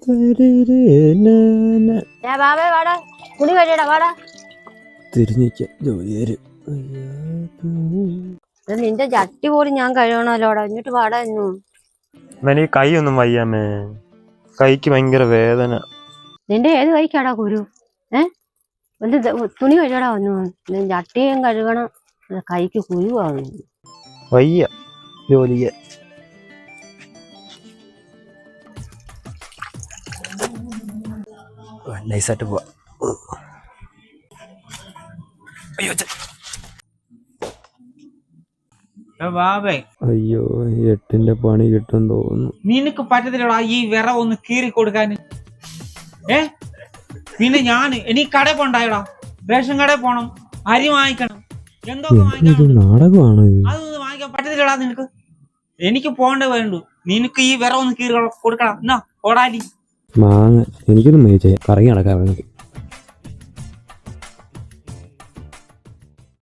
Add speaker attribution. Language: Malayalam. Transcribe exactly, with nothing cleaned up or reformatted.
Speaker 1: തിരിഞ്ഞിക്ക ജോലിയേര്
Speaker 2: നിന്റെ ചട്ടി പോലും ഞാൻ കഴിയണല്ലോടാ. എന്നിട്ട് പാടാ എന്നും
Speaker 1: ഈ കൈ ഒന്നും വയ്യാമേ. കൈക്ക് ഭയങ്കര വേദന.
Speaker 2: നിന്റെ ഏത് കൈക്കാടാ കുരു? ഏഹ് എന്ത് തുണി കഴിയടാ വന്നു. ചട്ടിയും കഴുകണം, കൈക്ക് കുരുവാണ്.
Speaker 1: വയ്യ ജോലിയ. നൈസായിട്ട് പോവാ. അയ്യോ എട്ടിന്റെ പണി കിട്ടും തോന്നുന്നു.
Speaker 3: നിനക്ക് പറ്റത്തില്ലടാ ഈ വിറ ഒന്ന് കീറി കൊടുക്കാൻ. ഏ പിന്നെ ഞാൻ എനിക്ക് കട പോണ്ടായടാ, റേഷൻ കടയിൽ പോണം, അരി വാങ്ങിക്കണം, എന്തൊക്കെ
Speaker 1: നാടകമാണ്.
Speaker 3: അതൊന്നും വാങ്ങിക്കാൻ പറ്റത്തില്ലടാ നിനക്ക്. എനിക്ക് പോണ്ടേ വേണ്ടു. നിനക്ക് ഈ വിറ ഒന്ന് കീറി കൊടുക്കണം. എന്നാ ഓടാലി
Speaker 1: മാങ്ങ എനിക്കൊന്നും മേടിച്ചേ കറങ്ങി നടക്കാൻ.